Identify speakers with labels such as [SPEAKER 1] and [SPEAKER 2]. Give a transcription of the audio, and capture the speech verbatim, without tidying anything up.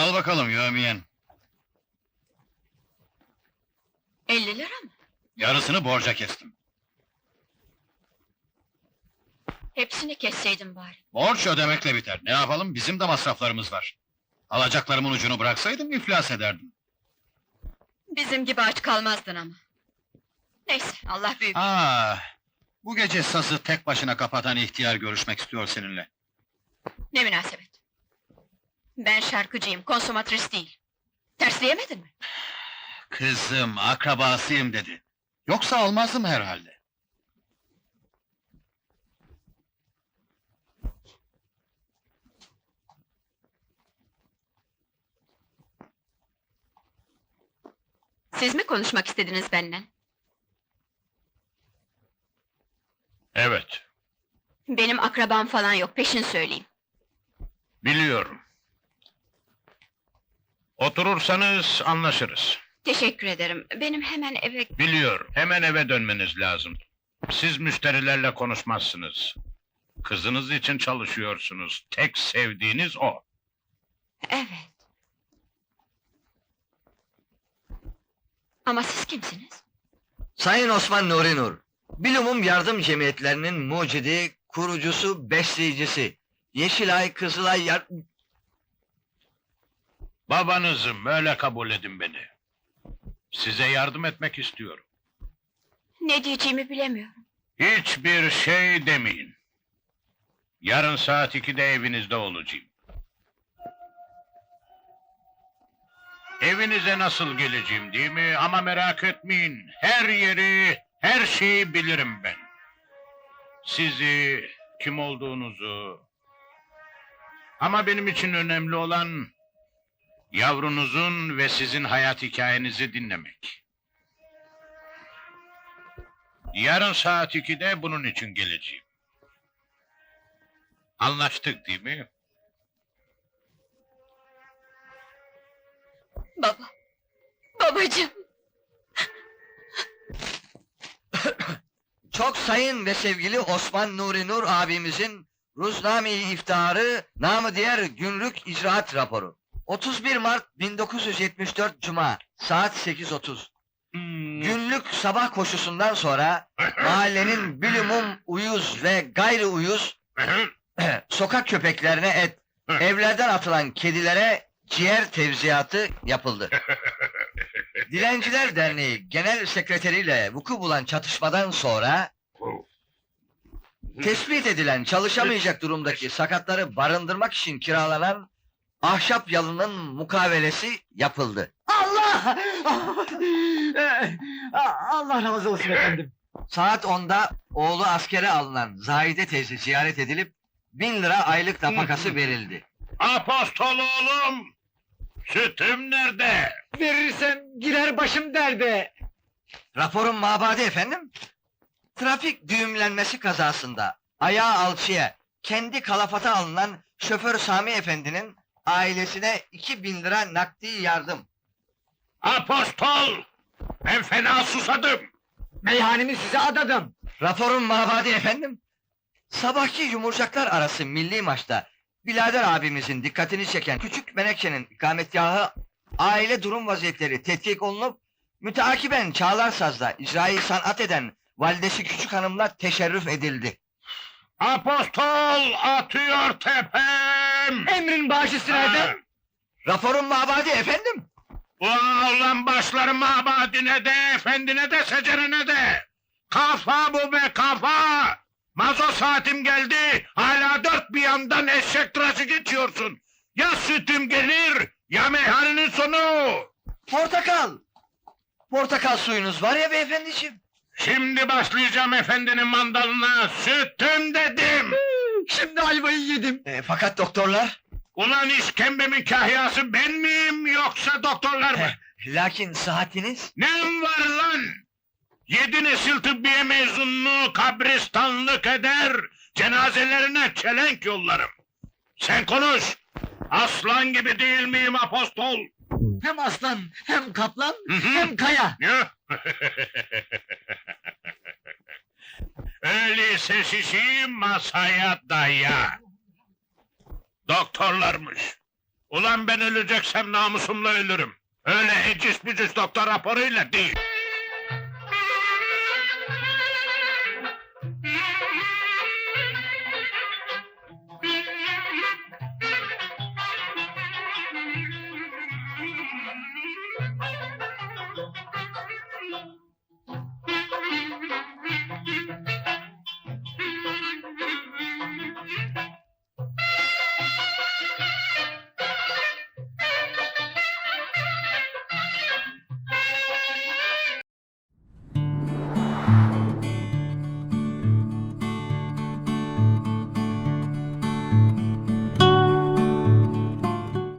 [SPEAKER 1] Al bakalım yövmiyen.
[SPEAKER 2] elli lira mı?
[SPEAKER 1] Yarısını borca kestim.
[SPEAKER 2] Hepsini kesseydin bari.
[SPEAKER 1] Borç ödemekle biter. Ne yapalım, bizim de masraflarımız var. Alacaklarımın ucunu bıraksaydım iflas ederdim.
[SPEAKER 2] Bizim gibi aç kalmazdın ama. Neyse, Allah büyük.
[SPEAKER 1] Ah, bu gece sazı tek başına kapatan ihtiyar görüşmek istiyor seninle.
[SPEAKER 2] Ne münasebet. Ben şarkıcıyım, konsomatris değil. Tersleyemedin mi?
[SPEAKER 1] Kızım, akrabasıyım dedi. Yoksa almazdım herhalde.
[SPEAKER 2] Siz mi konuşmak istediniz benden?
[SPEAKER 3] Evet,
[SPEAKER 2] Benim akrabam falan yok, peşin söyleyeyim.
[SPEAKER 3] biliyorum. Oturursanız anlaşırız.
[SPEAKER 2] Teşekkür ederim, benim hemen eve...
[SPEAKER 3] Biliyorum, hemen eve dönmeniz lazım. Siz müşterilerle konuşmazsınız. Kızınız için çalışıyorsunuz. Tek sevdiğiniz o.
[SPEAKER 2] Evet. Ama siz kimsiniz?
[SPEAKER 4] Sayın Osman Nuri Nur, Bilumum Yardım Cemiyetlerinin mucidi, kurucusu, besleyicisi. Yeşilay, Kızılay yar...
[SPEAKER 3] Babanızım, öyle kabul edin beni. Size yardım etmek istiyorum.
[SPEAKER 2] Ne diyeceğimi bilemiyorum.
[SPEAKER 3] Hiçbir şey demeyin. Yarın saat ikide evinizde olacağım. Evinize nasıl geleceğim değil mi? Ama merak etmeyin, her yeri, her şeyi bilirim ben. Sizi, kim olduğunuzu... Ama benim için önemli olan... yavrunuzun ve sizin hayat hikayenizi dinlemek. Yarın saat ikide bunun için geleceğim. Anlaştık değil mi?
[SPEAKER 2] Baba, babacığım!
[SPEAKER 4] Çok sayın ve sevgili Osman Nuri Nur abimizin Ruzname-i İftiharı, namı diğer Günlük İcraat Raporu. otuz bir Mart bin dokuz yüz yetmiş dört Cuma, saat sekiz otuz.
[SPEAKER 3] Hmm.
[SPEAKER 4] Günlük sabah koşusundan sonra mahallenin bilumum uyuz ve gayri uyuz sokak köpeklerine et, evlerden atılan kedilere ciğer tevziyatı yapıldı. Dilenciler Derneği Genel Sekreteriyle vuku bulan çatışmadan sonra tespit edilen çalışamayacak durumdaki sakatları barındırmak için kiralanan ahşap yalının mukavelesi yapıldı.
[SPEAKER 5] Allah! Allah razı olsun efendim.
[SPEAKER 4] Saat onda oğlu askere alınan Zahide teyze ziyaret edilip bin lira aylık nafakası verildi.
[SPEAKER 3] Apostol oğlum! Sütüm nerede?
[SPEAKER 5] Verirsem girer başım derde.
[SPEAKER 4] Raporun mabadi efendim. Trafik düğümlenmesi kazasında ayağı alçıya kendi kalafata alınan şoför Sami Efendi'nin ailesine iki bin lira nakdi yardım.
[SPEAKER 3] Apostol! Ben fena susadım!
[SPEAKER 5] Meyhanemi size adadım.
[SPEAKER 4] Raporun mabadi efendim. Sabahki yumurcaklar arası milli maçta Bilader abimizin dikkatini çeken Küçük Menekşe'nin ikametgahı aile durum vaziyetleri tetkik olunup müteakiben Çağlarsaz'da icrayı sanat eden validesi Küçük Hanım'la teşerrüf edildi.
[SPEAKER 3] Apostol atıyor tepem!
[SPEAKER 5] Emrin başı sırada.
[SPEAKER 4] Raporun mabadi efendim.
[SPEAKER 3] Ulan başlarım mabadine de, efendine de, secerene de! Kafa bu be kafa! Mazo saatim geldi, hala dört bir yandan eşek tıraşı geçiyorsun! Ya sütüm gelir, ya meyhanenin sonu!
[SPEAKER 4] Portakal. Portakal suyunuz var ya beyefendiciğim.
[SPEAKER 3] Şimdi başlayacağım efendinin mandalına, sütüm dedim!
[SPEAKER 5] Şimdi ayvayı yedim.
[SPEAKER 4] E, fakat doktorlar...
[SPEAKER 3] Ulan işkembemin kahyası ben miyim, yoksa doktorlar mı?
[SPEAKER 4] Eh, lakin saatiniz...
[SPEAKER 3] Nem var lan? Yedi nesil tıbbiye mezununu kabristanlık eder, cenazelerine çelenk yollarım. Sen konuş! Aslan gibi değil miyim apostol?
[SPEAKER 5] Hem aslan, hem kaplan,
[SPEAKER 3] Hı hı.
[SPEAKER 5] hem kaya.
[SPEAKER 3] Ya? Öyleyse şişi masaya daya. Doktorlarmış. Ulan ben öleceksem namusumla ölürüm. Öyle eciş bücüş doktor raporuyla değil.